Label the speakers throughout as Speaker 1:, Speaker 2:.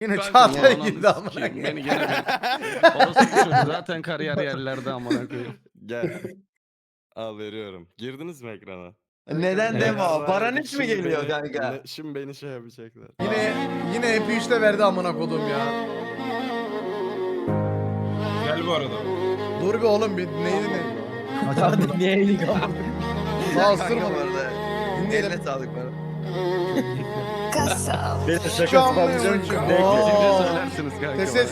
Speaker 1: Yine
Speaker 2: Ben
Speaker 1: Çağatay
Speaker 2: ananı
Speaker 1: girdi amına
Speaker 2: sikeyim,
Speaker 1: koyayım.
Speaker 2: Beni gene orası çocuğu zaten kariyer yerlerde amına koyayım.
Speaker 3: Gel. Al veriyorum. Girdiniz mi ekrana?
Speaker 4: Neden
Speaker 2: Evet.
Speaker 4: deme o? Baran hiç mi
Speaker 3: Şimdi
Speaker 4: geliyor
Speaker 3: beni-
Speaker 4: kanka?
Speaker 3: Şimdi beni şey yapacaklar.
Speaker 1: Yine MP3'te verdi amına kodum ya.
Speaker 5: Gel bu arada.
Speaker 1: Dur bir oğlum bir neydi ne?
Speaker 6: Hadi niye eğilik ama?
Speaker 1: Daha
Speaker 4: Kanka
Speaker 1: ısırmadım.
Speaker 4: bu arada.
Speaker 1: Dinleyelim.
Speaker 4: Eline sağlık bana.
Speaker 6: Benim şakası
Speaker 1: Canlı
Speaker 6: patlayacağım
Speaker 1: oyuncu.
Speaker 6: çünkü.
Speaker 1: Oo.
Speaker 2: Söylersiniz kanka.
Speaker 1: Ses.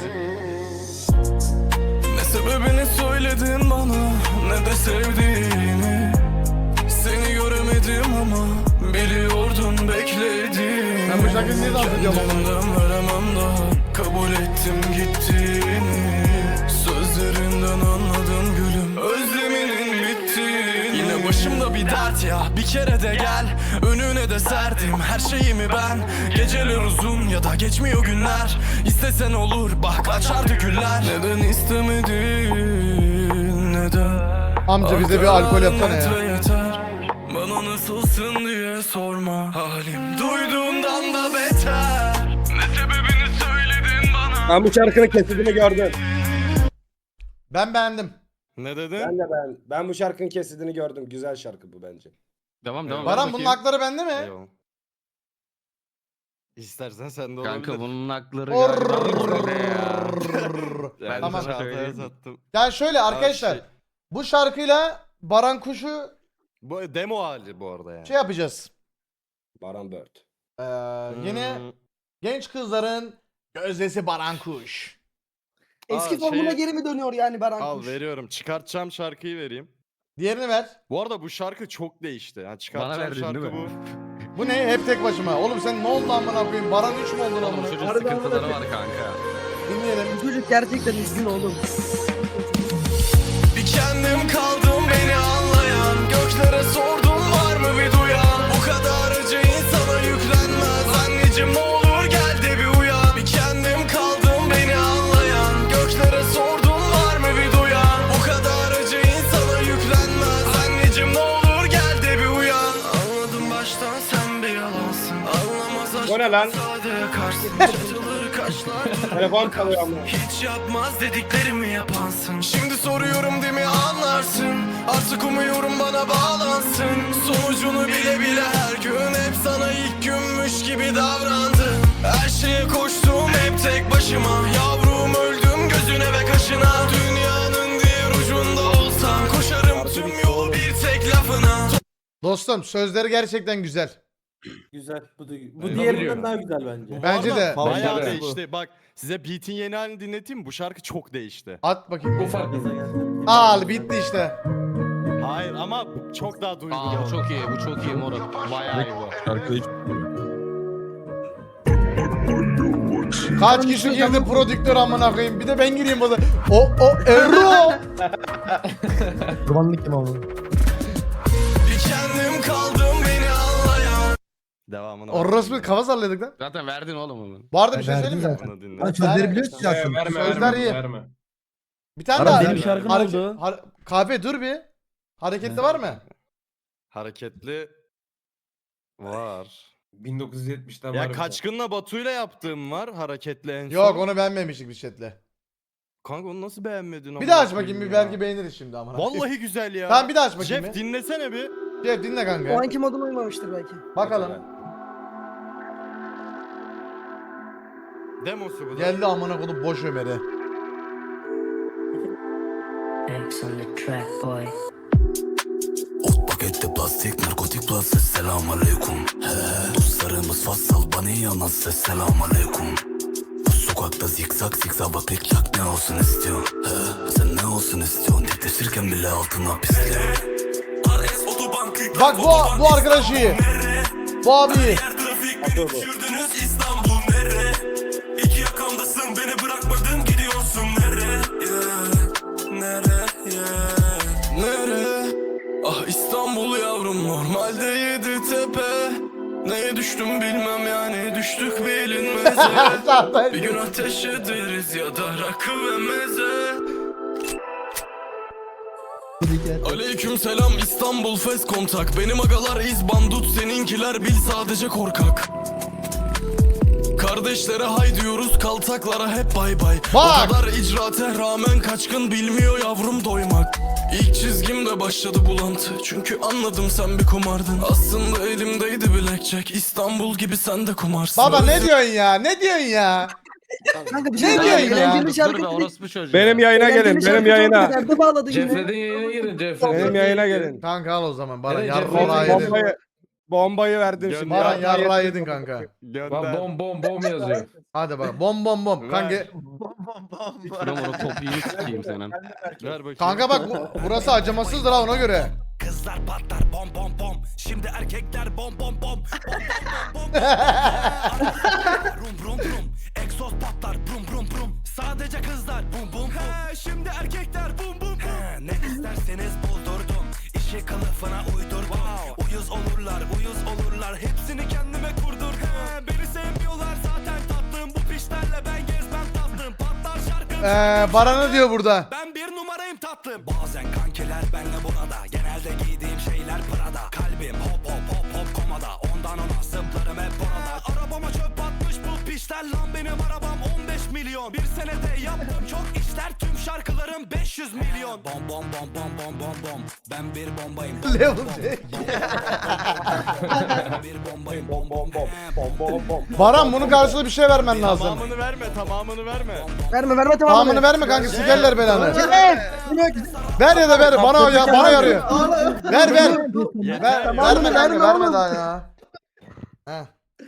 Speaker 7: Ne sebebini söyledin bana, ne de sevdiğini. Seni göremedim ama biliyordum beklediğini.
Speaker 1: Ben bu şarkıyı niye dans ediyorum ama?
Speaker 7: Kendimden veremem daha, kabul ettim gittiğini. Sözlerinden anladım gülüm, özleminin bittiğini. Yine başımda bir dert ya, bir kere de gel. Önüne de serdim her şeyimi ben. Geceler uzun ya da geçmiyor günler. İstesen olur bak açardı güller. Neden istemedin, neden?
Speaker 1: Amca bize bir alkol yapsana ya.
Speaker 7: Kilometre yeter, bana nasılsın diye sorma. Halim duyduğumdan da beter. Ne sebebini söyledin bana.
Speaker 5: Ben bu şarkının kesidini gördüm.
Speaker 1: Ben beğendim.
Speaker 3: Ne dedin?
Speaker 5: Ben de ben bu şarkının kesidini gördüm. Güzel şarkı bu bence.
Speaker 2: Devam devam.
Speaker 1: Baran
Speaker 2: ver
Speaker 1: bunun
Speaker 2: bakayım.
Speaker 1: hakları bende mi?
Speaker 3: Eyvallah. İstersen sen de olabilir.
Speaker 2: Kanka bunun hakları
Speaker 1: Orrrr.
Speaker 2: galiba orada ya.
Speaker 3: Yani
Speaker 1: Tamam.
Speaker 3: Çağatay'a
Speaker 2: Söyleyeyim.
Speaker 3: sattım.
Speaker 1: Yani şöyle arkadaşlar.
Speaker 3: şey-
Speaker 1: Bu şarkıyla Baran Kuş'u
Speaker 3: Bu demo hali bu arada yani.
Speaker 1: şey yapacağız.
Speaker 5: Baran Bird.
Speaker 1: Yeni
Speaker 3: Hmm.
Speaker 1: genç kızların gözdesi Baran Kuş.
Speaker 6: Eski
Speaker 3: Aa,
Speaker 6: formuna
Speaker 7: şey-
Speaker 3: şeyi-
Speaker 6: geri mi dönüyor yani Baran
Speaker 3: Al
Speaker 6: Kuş?
Speaker 3: veriyorum. Çıkartacağım şarkıyı vereyim.
Speaker 1: Diğerini ver.
Speaker 3: Bu arada bu şarkı çok değişti. Yani çıkartacağım
Speaker 2: verdin
Speaker 3: şarkı
Speaker 2: değil
Speaker 3: bu.
Speaker 2: mi?
Speaker 1: Bu ne? Hep tek başıma. Oğlum sen ne oldu amına koyayım? Baran 3 mü oldun
Speaker 2: Oğlum
Speaker 1: amına?
Speaker 2: çocuğun
Speaker 6: Harbiden
Speaker 2: sıkıntıları
Speaker 6: öyle.
Speaker 2: var kanka.
Speaker 1: Dinleyelim.
Speaker 6: Bu çocuk gerçekten üzgün oğlum.
Speaker 7: Bir kendim kaldım beni anlayan. Göklere sordum var mı bir duyan. Bu kadar acı insana yüklenmez. Anneciğim ne olur gel de bir uyan. Bir kendim kaldım beni anlayan. Göklere sordum var mı bir duyan. Bu kadar acı insana yüklenmez. Anneciğim ne olur gel de bir uyan. Anladım baştan sen bir yalansın. Anlamaz aşk.
Speaker 5: O ne lan?
Speaker 7: Sade yakarsın. Çatılır kaşlar.
Speaker 5: Telefon çalıyor ama.
Speaker 7: Hiç yapmaz dediklerimi yapansın. Şimdi soruyorum değil mi anlarsın. Artık umuyorum bana bağlansın. Sonucunu bile bile her gün hep sana ilk günmüş gibi davrandım. Her şeye koştum hep tek başıma. Yavrum öldüm gözüne ve kaşına. Dünyanın diğer ucunda olsam koşarım tüm yol bir tek lafına.
Speaker 1: Dostum sözleri gerçekten güzel.
Speaker 5: Güzel. Bu
Speaker 3: Eyvallah.
Speaker 5: diğerinden daha güzel bence.
Speaker 3: Bu
Speaker 1: Bence
Speaker 3: arada
Speaker 1: de.
Speaker 3: Bayağı
Speaker 5: Bence de.
Speaker 3: değişti. Bak size beat'in yeni halini dinleteyim mi? Bu şarkı çok değişti.
Speaker 1: At bakayım.
Speaker 5: fark
Speaker 1: Al bitti işte.
Speaker 3: Hayır ama çok daha duygulu.
Speaker 2: Aa bu çok iyi, bu çok iyi moruk. Bayağı iyi bu.
Speaker 1: Kaç kişi girdi prodüktör amına koyayım. Bir de ben gireyim burada. O Erro.
Speaker 6: Kurbanlık kim ama?
Speaker 7: Bir kendim kaldım beni anlayan.
Speaker 3: Devamını
Speaker 1: Orospu kafa salladık lan.
Speaker 2: Zaten verdin oğlum onu.
Speaker 1: Bu arada bir şey
Speaker 6: Verdin
Speaker 1: söyleyeyim mi?
Speaker 6: zaten.
Speaker 3: Bunu dinle.
Speaker 6: Lan sözleri
Speaker 1: Ben-
Speaker 6: biliyorsun ya aslında.
Speaker 1: Sözler iyi.
Speaker 5: Verme.
Speaker 1: Bir tane
Speaker 6: Baran
Speaker 1: daha.
Speaker 6: benim şarkım oldu.
Speaker 1: Kahve dur bir. Hareketli var mı?
Speaker 3: Hareketli var.
Speaker 5: 1970'ten
Speaker 3: Ya Kaçkın'la Batu'yla yaptığım var hareketli en son.
Speaker 1: Yok onu beğenmemiştik biz chatle.
Speaker 3: Kanka onu nasıl beğenmedin?
Speaker 1: Bir
Speaker 3: amına
Speaker 1: daha aç
Speaker 3: koyayım
Speaker 1: bakayım bir
Speaker 3: ya?
Speaker 1: belki beğeniriz şimdi amına.
Speaker 3: Vallahi güzel ya.
Speaker 1: Tamam bir daha aç bakayım
Speaker 3: Jeff
Speaker 1: bir.
Speaker 3: dinlesene bir.
Speaker 1: Jeff dinle
Speaker 6: O
Speaker 1: kanka.
Speaker 6: anki moduna uymamıştır belki.
Speaker 1: Bakalım.
Speaker 3: Demosu bu da.
Speaker 1: Geldi amına koyduğum boş Ömer'e.
Speaker 8: X on the track, boy.
Speaker 7: Ot pakette plastik narkotik plus selam aleyküm. Dostlarımız fassal bana yanan ses selam aleyküm. Bu sokakta zikzak zikzak bak lik çak ne olsun istiyor. Sen ne olsun istiyorsun dikleşirken bile altına pisliyor.
Speaker 1: Bak bu arkadaş iyi. Bu abi iyi.
Speaker 7: Düşürdünüz İstanbul nere? İki yakamdasın beni bırakmadın gidiyorsun nere? Nere? Nere? Ah İstanbul yavrum normalde yedi tepe. Neye düştüm bilmem yani düştük bilinmeze. Bir gün ateş ederiz ya da rakı ve meze. Aleyküm selam İstanbul fes kontak. Benim agalar iz bandut seninkiler bil sadece korkak. Kardeşlere hay diyoruz, kaltaklara hep bay bay.
Speaker 1: Bak!
Speaker 7: O kadar icraate rağmen kaçkın, bilmiyor yavrum doymak. İlk çizgimde başladı bulantı, çünkü anladım sen bir kumardın. Aslında elimdeydi blackjack, İstanbul gibi sen de kumarsın.
Speaker 1: Baba ne diyorsun ya? Ne diyorsun ya?
Speaker 6: Kanka bir
Speaker 1: Ne
Speaker 6: şey
Speaker 1: diyorsun ya?
Speaker 6: Eğlenceli
Speaker 2: Dur be
Speaker 6: şarkı dedik.
Speaker 2: orospu çocuğu.
Speaker 3: Benim yayına gelin,
Speaker 6: Eğlenceli
Speaker 3: benim
Speaker 6: şarkı
Speaker 3: yayına.
Speaker 6: çok derde bağladı yine.
Speaker 4: Cefred'in yayına girin Cefred'in.
Speaker 3: Benim yayına gelin.
Speaker 1: Kanka al o zaman bana
Speaker 4: Evet,
Speaker 1: yarra
Speaker 4: Cefret,
Speaker 1: yedin.
Speaker 3: Bombayı verdim şimdi.
Speaker 1: Bana yarra yedin kanka.
Speaker 4: Bak bom yazıyor.
Speaker 1: Hadi bak bom bom bom. Kanka,
Speaker 2: Şuram onu topiğini sikeyim senin.
Speaker 3: Ver bakayım.
Speaker 1: kanka bak burası acımasızdır ha ona göre.
Speaker 7: Kızlar patlar bom bom bom. Şimdi erkekler bom bom bom. Rum rum rum. Egzoz patlar brum brum brum. Sadece kızlar bum bum bum. Şimdi erkekler bum bum bum. Ne isterseniz buldurdum. İşi kılıfına uydurdum. Uyuz olurlar. Hepsini kendime kurdurdum. Beni sevmiyorlar zaten tatlım. Bu pişlerle ben gezmem tatlım. Patlar şarkım.
Speaker 1: Baranı diyor burada.
Speaker 7: Ben bir numarayım tatlım. Bazen kankiler benle burada. Genelde giydiğim şeyler Prada. Kalbim hop hop hop hop komada. Ondan ona zıplarım hep orada. Arabama çöp atmış bu pişler lan, benim arabam 15 milyon. Bir senede yaptım çok işler, tüm şarkılarım 500 milyon. Bom bom bom bom bom bom bom. Ben bir bombayım.
Speaker 1: Level
Speaker 7: Ben bir bombayım. Bom bom bom.
Speaker 1: Baran bunun karşılığı bir şey vermen lazım.
Speaker 3: Tamamını verme.
Speaker 6: Verme tamamını.
Speaker 1: Tamamını verme kanka sikerler belanı. Ver ya da ver bana ya bana yarıyor. Ver. Verme kanka verme daha ya. Heh.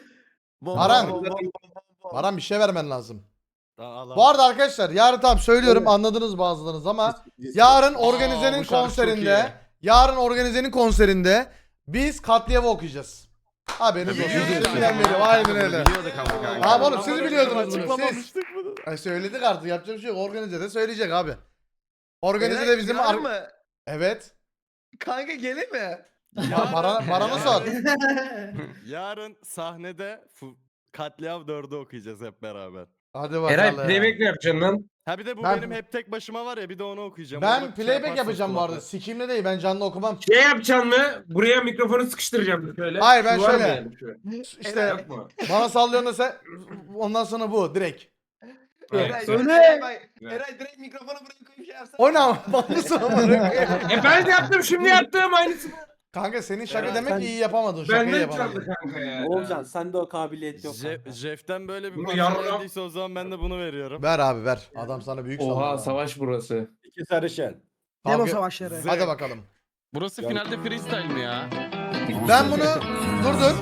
Speaker 1: Baran bir şey vermen lazım. Bu arada arkadaşlar yarın tam söylüyorum anladınız bazılarınız ama yarın organizenin
Speaker 2: bu şarkı çok
Speaker 1: konserinde konserinde biz Katliam'ı okuyacağız. Haberiniz olsun. Şimdiden beri aynen öyle.
Speaker 2: Biliyorduk ama kanka.
Speaker 1: Abi oğlum siz biliyordunuz bunu siz.
Speaker 3: Açıklamamıştık bunu.
Speaker 1: Ay söyledik artık yapacak bir şey yok. Organize de söyleyecek abi. Organize de bizim
Speaker 9: Var mı?
Speaker 1: Evet.
Speaker 9: Kanka gelir mi?
Speaker 1: Baran'a sor.
Speaker 3: Yarın sahnede Katliam 4'ü okuyacağız hep beraber.
Speaker 1: Hadi bakalım.
Speaker 4: Eray playback mi yapacaksın lan?
Speaker 3: Ha bir de bu
Speaker 1: Ben-
Speaker 3: benim hep tek başıma var ya, bir de onu okuyacağım.
Speaker 1: Ben
Speaker 3: Onu
Speaker 1: playback
Speaker 3: yaparsın
Speaker 1: yapacağım bu arada.
Speaker 3: kulakta.
Speaker 1: Sikimle değil ben canlı okumam.
Speaker 4: Şey yapacaksın mı? Buraya mikrofonu sıkıştıracağım şöyle.
Speaker 1: Hayır, ben
Speaker 4: Şu var mı
Speaker 1: şöyle.
Speaker 4: yani şu?
Speaker 1: İşte
Speaker 4: Yok mu?
Speaker 1: bana sallıyorsun da sen ondan sonra bu direkt.
Speaker 9: Eray,
Speaker 6: Söyle.
Speaker 9: Eray direkt mikrofonu buraya koyup şey yapsana.
Speaker 1: O ne ama bağlısı ama.
Speaker 4: Ben de yaptım şimdi yaptım aynısını.
Speaker 1: Kanka senin şaka
Speaker 5: Evet,
Speaker 1: demek
Speaker 5: sen-
Speaker 1: ki iyi yapamadın. Şakayı
Speaker 4: Benden
Speaker 1: yapamadın.
Speaker 4: çaldı kanka ya.
Speaker 5: Oğulcan sende o kabiliyet yok. kanka.
Speaker 3: Jeff'ten böyle bir
Speaker 4: Bunu
Speaker 3: parça
Speaker 4: yarram-
Speaker 3: geldiyse o zaman ben de bunu veriyorum.
Speaker 1: Ver abi ver. Adam sana büyük
Speaker 4: Oha
Speaker 1: sallıyor.
Speaker 4: savaş burası.
Speaker 5: İki sarışın.
Speaker 6: Demo
Speaker 1: Kavga-
Speaker 6: savaşları.
Speaker 1: Hadi bakalım.
Speaker 2: Burası finalde freestyle mi ya?
Speaker 1: Ben bunu dur.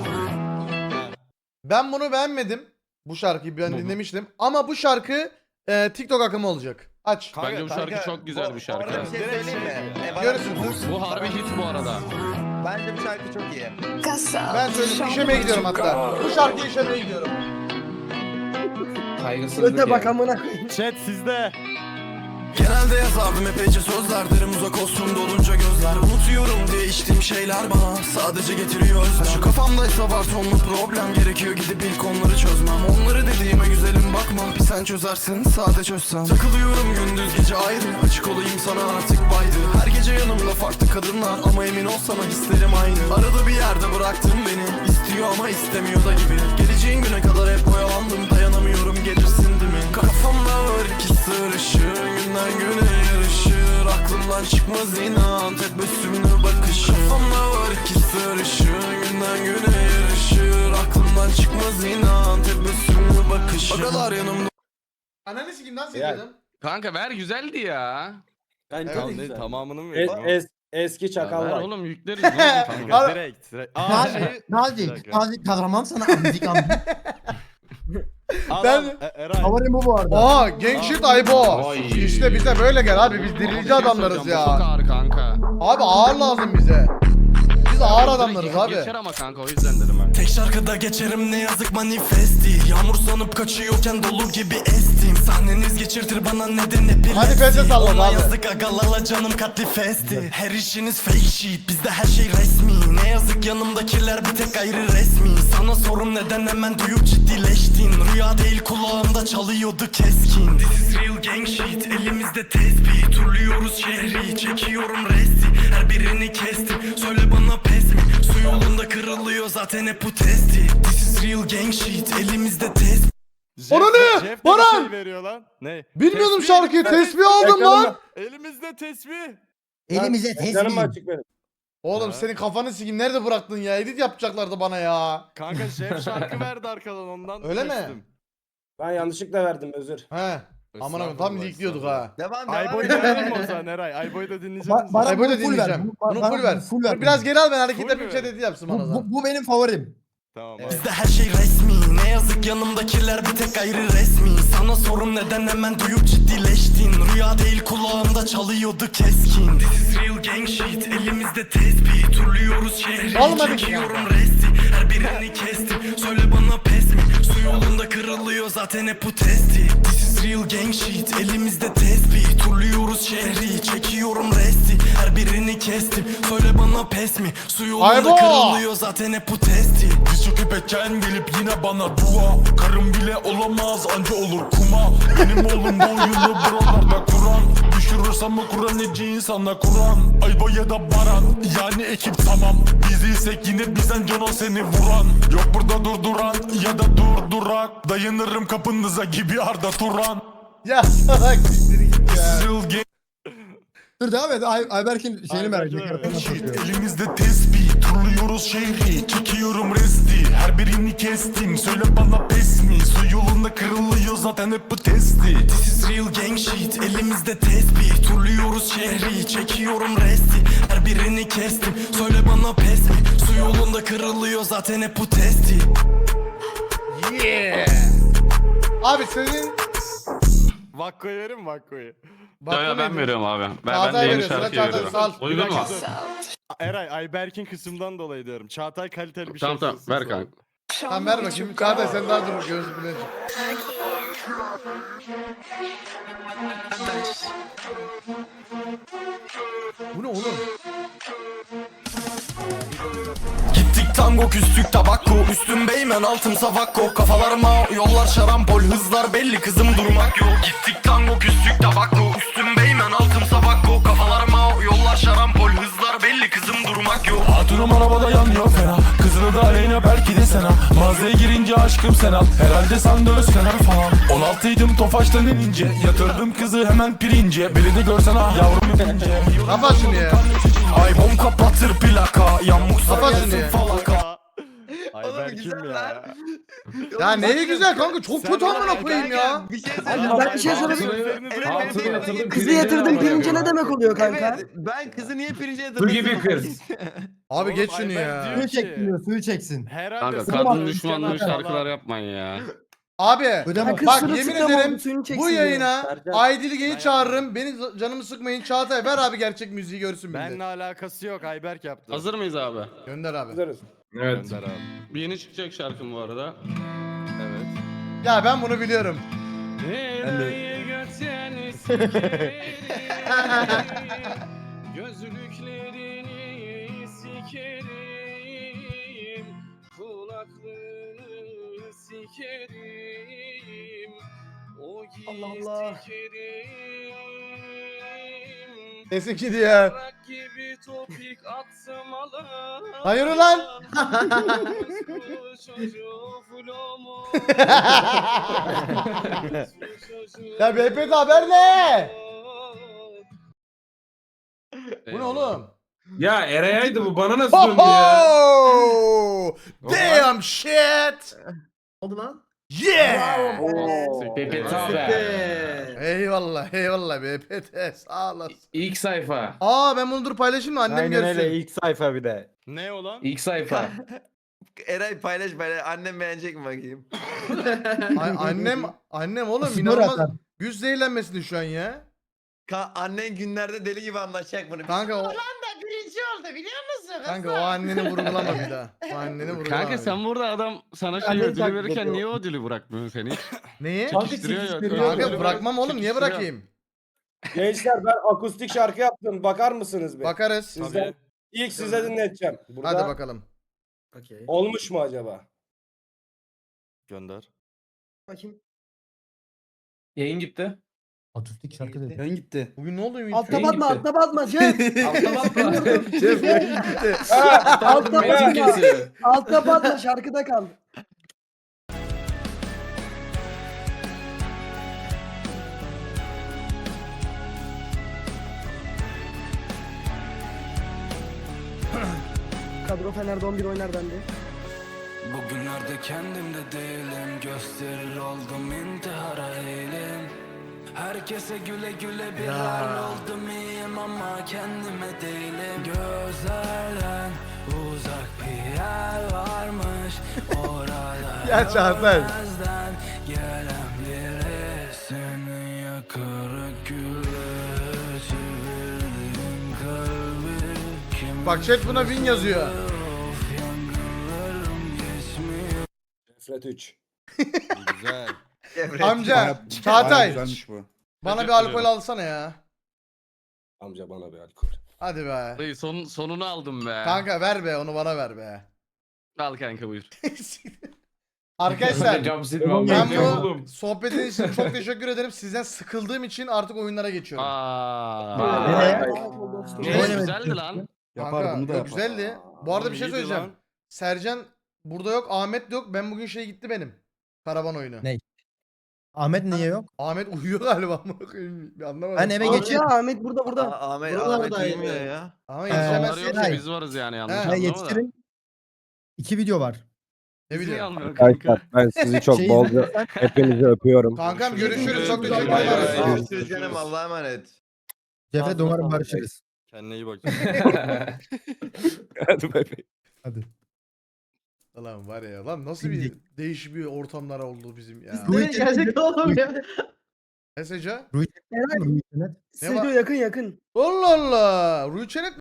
Speaker 1: Ben bunu beğenmedim. Bu şarkıyı ben dinlemiştim. Ama bu şarkı TikTok akımı olacak. Aç.
Speaker 2: Bence bu şarkı çok güzel bir şarkı.
Speaker 9: Orada bir şey söyleyeyim mi?
Speaker 1: Görürsün.
Speaker 2: Bu harbi hit bu arada.
Speaker 9: Bence bu şarkı çok iyi.
Speaker 1: Ben söyleyeyim işemeye gidiyorum hatta. Bu şarkıyı işemeye gidiyorum.
Speaker 4: Kaygısızlık
Speaker 6: Öte
Speaker 4: ya.
Speaker 6: bak amına koyayım.
Speaker 3: Chat sizde.
Speaker 7: Genelde yazardım epeyce sözler, derim uzak olsun dolunca gözler. Unutuyorum diye içtiğim şeyler bana sadece getiriyor özlem. Şu kafamdaysa var tonlu problem, gerekiyor gidip ilk onları çözmem. Onları dediğime güzelim bakma, bir sen çözersin sade çözsem. Takılıyorum gündüz gece ayrı, açık olayım sana artık baydı. Her gece yanımda farklı kadınlar ama emin ol sana hislerim aynı. Arada bir yerde bıraktın beni, istiyor ama istemiyor da gibi. Geleceğin güne kadar hep oyalandım, dayanamıyorum gelirsin değil mi? Kafamda var iki sır ışığı, günden güne yarışır. Aklımdan çıkmaz inan tebessümlü bakışın. Kafamda var iki sır ışığı, günden güne yarışır. Aklımdan çıkmaz inan tebessümlü bakışın. O kadar yanımda.
Speaker 1: Ananı sikeyim nasıl
Speaker 5: Yani.
Speaker 1: ediyordum?
Speaker 2: Kanka ver güzeldi ya.
Speaker 5: Bence
Speaker 1: Evet,
Speaker 5: de
Speaker 3: Ne,
Speaker 5: güzel.
Speaker 3: tamamını mı veriyorum?
Speaker 5: Eski
Speaker 2: Ya
Speaker 5: çakal
Speaker 2: ver
Speaker 5: var.
Speaker 2: oğlum yükleriz. Ne olacak kanka?
Speaker 1: Al-
Speaker 3: Direkt. Aa şey.
Speaker 10: Nazik, nazik kahraman sana amzik amzik.
Speaker 1: Ben-
Speaker 3: Eray.
Speaker 10: Favorim bu bu arada.
Speaker 1: Aa gang shit Aybo.
Speaker 4: Ay.
Speaker 1: İşte bize böyle gel abi biz dirici adamlarız
Speaker 2: Çok
Speaker 1: ya.
Speaker 2: ağır kanka.
Speaker 1: Abi ağır lazım bize. Biz ağır adamlarız abi.
Speaker 2: Geçer ama kanka o yüzden dedim ben.
Speaker 7: Tek şarkıda geçerim ne yazık manifesti. Yağmur sanıp kaçıyorken dolu gibi estim. Sahneniz geçirtir bana neden epilepsi.
Speaker 1: Manifeste salladı
Speaker 7: Ona
Speaker 1: abi.
Speaker 7: yazık agalala canım katli festi. Her işiniz fake shit, bizde her şey resmi. Ne yazık yanımdakiler bir tek ayrı resmi. Sana sorum neden hemen duyup ciddileştin. Rüya değil kulağımda çalıyordu keskin. This is real gang shit, elimizde tespih. Turluyoruz şehri, çekiyorum resti. Her birini kestim, söyle bana pes mi? Su yolunda kırılıyor zaten hep bu testi. This is real gang shit, elimizde test.
Speaker 1: Ona ne?
Speaker 3: Jeff de
Speaker 1: Baran!
Speaker 3: bir şey veriyor lan. Ne?
Speaker 1: Bilmiyordum
Speaker 3: Tesbih
Speaker 1: şarkıyı.
Speaker 3: elimizde.
Speaker 1: Tesbih aldım lan.
Speaker 3: Elimizde tesbih.
Speaker 10: Elimize
Speaker 5: Canım
Speaker 10: teslim.
Speaker 5: açık benim.
Speaker 1: Oğlum
Speaker 3: Ha.
Speaker 1: senin kafanı sikeyim. Nerede bıraktın ya? Edit yapacaklardı bana ya.
Speaker 3: Kanka Jeff şarkı verdi arkadan ondan.
Speaker 1: Öyle mi?
Speaker 3: kestim.
Speaker 5: Ben yanlışlıkla verdim özür.
Speaker 1: He. Aman abi tam likliyorduk ha.
Speaker 9: Devam
Speaker 3: Ayboy'u da verelim mi o zaman Eray? Ayboy'u da dinleyecek misin?
Speaker 10: Baran
Speaker 1: Ay böyle
Speaker 10: bunu full ver.
Speaker 1: dinleyeceğim. Bunu
Speaker 10: Baran
Speaker 1: full ver.
Speaker 10: full ver.
Speaker 1: Dur biraz geri al ben hareket
Speaker 3: Full
Speaker 1: yapayım
Speaker 3: mü?
Speaker 1: chat edit yapsın bana
Speaker 10: Bu,
Speaker 1: zaman.
Speaker 10: bu benim favorim.
Speaker 3: Tamam.
Speaker 7: Bizde her şey resmi, ne yazık yanımdakiler bir tek ayrı resmi. Sana sorum neden hemen duyup ciddileştin. Rüya değil kulağımda çalıyordu keskin. This is real gang shit, elimizde tespih. Turluyoruz şehri,
Speaker 1: Olmadı ki
Speaker 7: çekiyorum resti. Her birini kestim, söyle bana pes mi? Su yolunda kırılıyor zaten hep bu testi. This is real gang shit, elimizde tespih. Turluyoruz şehri, çekiyorum resti. Her birini kestim, söyle bana pes mi? Su yolunda
Speaker 1: Aybo!
Speaker 7: kırılıyor zaten hep bu testi. Diz çöküp etken gelip yine bana dua. Karım bile olamaz anca olur kuma. Benim oğlum bu oyunu buralarda kuran. Düşürürsem mi Kur'an neci insanla Kur'an. Ayba ya da Baran yani ekip tamam. Biz değilsek yine bizden canon seni vuran. Yok burada durduran ya da durdurak. Dayanırım kapınıza gibi Arda Turan.
Speaker 1: Ya salak siktir git ya.
Speaker 7: Real gang
Speaker 10: Dur devam et. Ayberk'in şeyini merak
Speaker 3: Ayberk'in
Speaker 10: ediyorum.
Speaker 7: elimizde tespih. Turluyoruz şehri, çekiyorum resti. Her birini kestim, söyle bana pes mi? Su yolunda kırılıyor zaten hep bu testi. This is real gang shit, elimizde tespih. Turluyoruz şehri, çekiyorum resti. Her birini kestim, söyle bana pes mi? Su yolunda kırılıyor zaten hep bu testi.
Speaker 1: Yeah. Abi senin
Speaker 3: Vakko'yu verin mi Vakko'yu?
Speaker 2: Ya ben veriyorum abi. Ben
Speaker 1: Çağatay
Speaker 2: de yeni
Speaker 1: veriyor, sıra
Speaker 2: şarkıyı
Speaker 1: Çağatay,
Speaker 2: veriyorum.
Speaker 1: sağ ol.
Speaker 2: Uygun mu?
Speaker 3: Eray Ayberk'in kısımdan dolayı diyorum. Çağatay kaliteli bir
Speaker 2: Tamam
Speaker 3: şey
Speaker 2: tamam
Speaker 3: söylesin
Speaker 2: ver
Speaker 3: sana.
Speaker 2: kanka.
Speaker 1: Tamam ver bakayım. Çağatay sen daha dur gözü bile. Bu ne oğlum?
Speaker 7: Gittik tango küstük tabakko. Üstüm beymen altım savakko. Kafalarıma yollar şarampol. Hızlar belli kızım durmak yok. Gittik tango küstük tabakko. Üstüm beymen altım savakko. Kafalarıma yollar şarampol. Hızlar belli kızım durmak yok. Hatunum arabada yanıyor fena. Kızını da aleyna belki de sana. Mağazaya girince aşkım sen al. Herhalde sandı öz kenar falan. 16'ydım Tofaş'tan inince. Yatırdım kızı hemen pirince. Beni de görsen ah yavrum inince.
Speaker 1: Kapat şunu ya.
Speaker 7: Ay bom kapatır plaka. Yağmursa
Speaker 1: Kapat şunu
Speaker 7: gelsin
Speaker 1: ya.
Speaker 7: falaka.
Speaker 3: Ayberk
Speaker 9: güzel
Speaker 3: kim
Speaker 9: lan.
Speaker 3: ya?
Speaker 1: Ya neyi güzel kanka çok kötü amına koyayım ya.
Speaker 9: Bir şey
Speaker 6: Abi
Speaker 9: söyleyeyim.
Speaker 6: ben bir şey sorabilir
Speaker 9: Evet,
Speaker 6: Kızı yatırdım pirince ne demek oluyor kanka?
Speaker 9: Evet, ben kızı niye pirince yatırdım?
Speaker 4: Bu gibi kız.
Speaker 1: Abi
Speaker 3: Oğlum,
Speaker 1: geç şunu
Speaker 3: Ayberk
Speaker 1: ya.
Speaker 3: diyor
Speaker 10: Suyu
Speaker 3: ki,
Speaker 10: çeksin diyor. Suyu çeksin.
Speaker 3: Herhalde
Speaker 2: Kanka
Speaker 3: sana
Speaker 2: kadın
Speaker 3: üç
Speaker 2: düşmanlığı
Speaker 3: kenar
Speaker 2: şarkılar
Speaker 3: falan.
Speaker 2: yapmayın ya.
Speaker 1: Abi
Speaker 10: Ödeme.
Speaker 6: Kız
Speaker 1: bak
Speaker 6: sırılsıklam
Speaker 1: yemin
Speaker 6: oldu,
Speaker 1: ederim
Speaker 6: suyunu çeksin
Speaker 1: bu
Speaker 6: diyor.
Speaker 1: yayına
Speaker 5: Sercan.
Speaker 1: Aydilge'yi
Speaker 3: Ben
Speaker 1: çağırırım. Beni canımı sıkmayın. Çağatay ver abi gerçek müziği görsün
Speaker 3: Benle
Speaker 1: millet.
Speaker 3: alakası yok Ayberk yaptı.
Speaker 2: Hazır mıyız abi?
Speaker 1: Gönder abi.
Speaker 5: Hazırız.
Speaker 4: Evet.
Speaker 3: Gönder abi.
Speaker 2: Bir yeni çıkacak şarkım bu arada.
Speaker 3: Evet.
Speaker 1: Ya ben bunu biliyorum.
Speaker 3: Gözlüklerini sikerim, kulaklığını sikerim, o
Speaker 6: Allah Allah.
Speaker 3: sikerim.
Speaker 1: Sesin gidiyor.
Speaker 3: Bırak gibi topik atsam ala.
Speaker 1: Hayır ulan. Ya BPT haber ne? Bu ne oğlum?
Speaker 4: Ya Eray'aydı bu bana nasıl döndü ya?
Speaker 1: Ho damn shit.
Speaker 10: Oldu lan.
Speaker 1: Yeah.
Speaker 2: PPT
Speaker 1: Eyvallah eyvallah BPT sağ olasın.
Speaker 2: İlk sayfa.
Speaker 1: Aa ben bunu dur paylaşayım mı annem görsün.
Speaker 5: ilk sayfa bir de.
Speaker 3: Ne o lan?
Speaker 2: İlk sayfa.
Speaker 9: Eray paylaş annem beğenecek mi bakayım?
Speaker 1: Annem oğlum
Speaker 10: Spor
Speaker 1: inanılmaz.
Speaker 10: atar.
Speaker 1: Güç zehirlenmesini şu an ya.
Speaker 9: Annen günlerde deli gibi anlaşacak bunu.
Speaker 1: Kanka o
Speaker 9: Birinci oldu biliyor musun?
Speaker 1: kanka o anneni vurgulama bir daha. O anneni vurgulama.
Speaker 2: Kanka sen burada adam sana şey
Speaker 10: Annem
Speaker 2: ödülü
Speaker 10: taklit
Speaker 2: verirken
Speaker 10: ediyor.
Speaker 2: niye o ödülü bırakmıyorsun seni?
Speaker 1: Neyi?
Speaker 2: Çekiştiriyor ya.
Speaker 10: çekiştiriyor.
Speaker 2: ödülü
Speaker 1: Kanka bırakmam oğlum niye
Speaker 2: çekiştiriyor.
Speaker 1: bırakayım?
Speaker 5: Gençler ben akustik şarkı yaptım. Bakar mısınız bir?
Speaker 1: Bakarız.
Speaker 5: Sizden ilk size dinleteceğim. Burada
Speaker 1: Hadi bakalım.
Speaker 6: Okey.
Speaker 5: olmuş mu acaba?
Speaker 3: Gönder.
Speaker 6: Bakayım.
Speaker 2: Yayın gitti.
Speaker 10: Akustik şarkı dedi.
Speaker 11: Yayın gitti.
Speaker 1: Bugün ne oldu Ümit?
Speaker 6: Altta batma, altta batma. Cem.
Speaker 11: Şef yayın gitti.
Speaker 6: Altta
Speaker 4: Metin
Speaker 6: batma.
Speaker 4: kesiyor.
Speaker 6: Altta batma, şarkıda kal. Kadro Fener'de 11 oynar bende.
Speaker 7: Bugünlerde kendimde değilim. Gösterir oldum intihara eğilim. Herkese güle güle bir hal oldum iyiyim ama kendime değilim. Gözlerden uzak bir yer varmış. Orada
Speaker 1: Ya Çağatay.
Speaker 7: görmezden gelen biri. Seni yakar güle çevirdim kalbi. Kim
Speaker 1: Bak chat buna win yazıyor.
Speaker 7: of yangınlarım geçmiyor.
Speaker 5: Fred 3.
Speaker 3: Güzel.
Speaker 1: Amca Çağatay
Speaker 11: Güzelmiş bu.
Speaker 1: bana bir
Speaker 2: Teşekkür
Speaker 1: alkol
Speaker 2: ederim.
Speaker 1: alsana ya.
Speaker 5: Amca bana bir alkol.
Speaker 1: Hadi be.
Speaker 2: Dayı sonunu aldım be.
Speaker 1: Kanka ver be onu bana ver be.
Speaker 2: Al kanka buyur.
Speaker 1: Arkadaşlar
Speaker 4: Cam silmem.
Speaker 1: ben
Speaker 4: Ne
Speaker 1: bu
Speaker 4: oğlum?
Speaker 1: sohbetin için çok teşekkür ederim. Sizden sıkıldığım için artık oyunlara geçiyorum.
Speaker 2: Aa.
Speaker 10: Nereye?
Speaker 2: Güzeldi lan.
Speaker 11: Yapar
Speaker 1: Kanka,
Speaker 11: bunu da
Speaker 1: yok,
Speaker 11: yapar.
Speaker 1: güzeldi. Bu arada bir şey
Speaker 3: İyiydi
Speaker 1: söyleyeceğim.
Speaker 3: lan.
Speaker 1: Sercan burada yok, Ahmet de yok. Ben bugün şey gitti benim. Karavan oyunu.
Speaker 10: Ne? Ahmet niye yok?
Speaker 1: Ahmet uyuyor galiba. amına koyayım. Bir anlamadım.
Speaker 10: Ben eve
Speaker 6: Abi
Speaker 10: geçiyorum.
Speaker 6: ya Ahmet burada.
Speaker 9: Ahmet
Speaker 11: Buralardaydı.
Speaker 9: uyumuyor ya.
Speaker 1: Ama
Speaker 2: Onlar
Speaker 1: yetişemezsin
Speaker 2: yoksa
Speaker 1: ki.
Speaker 2: biz varız yani yanlış
Speaker 1: He.
Speaker 10: Ben
Speaker 2: anlama da.
Speaker 10: yetiştirim. 2 video var.
Speaker 1: Ne
Speaker 2: Biz niye
Speaker 1: bileyim.
Speaker 2: almıyor kanka?
Speaker 12: Ben sizi çok
Speaker 10: Şey
Speaker 12: bolca
Speaker 10: izlersen-
Speaker 12: hepinizi öpüyorum.
Speaker 1: Kankam görüşürüz. Çok teşekkür
Speaker 9: Bay bay.
Speaker 1: ederim.
Speaker 9: Görüşürüz canım. Allah'a emanet.
Speaker 10: Cefret umarım barışırız.
Speaker 3: Kendine iyi bak.
Speaker 12: Hadi bay bay.
Speaker 10: Hadi.
Speaker 1: Lan var ya lan nasıl bir değişik bir ortamlar oldu bizim ya.
Speaker 6: Gerçekten oğlum ya.
Speaker 1: Mesaj'a.
Speaker 6: Eray,
Speaker 1: Ne var?
Speaker 6: Stüdyo yakın.
Speaker 1: Allah Allah. Rüçenet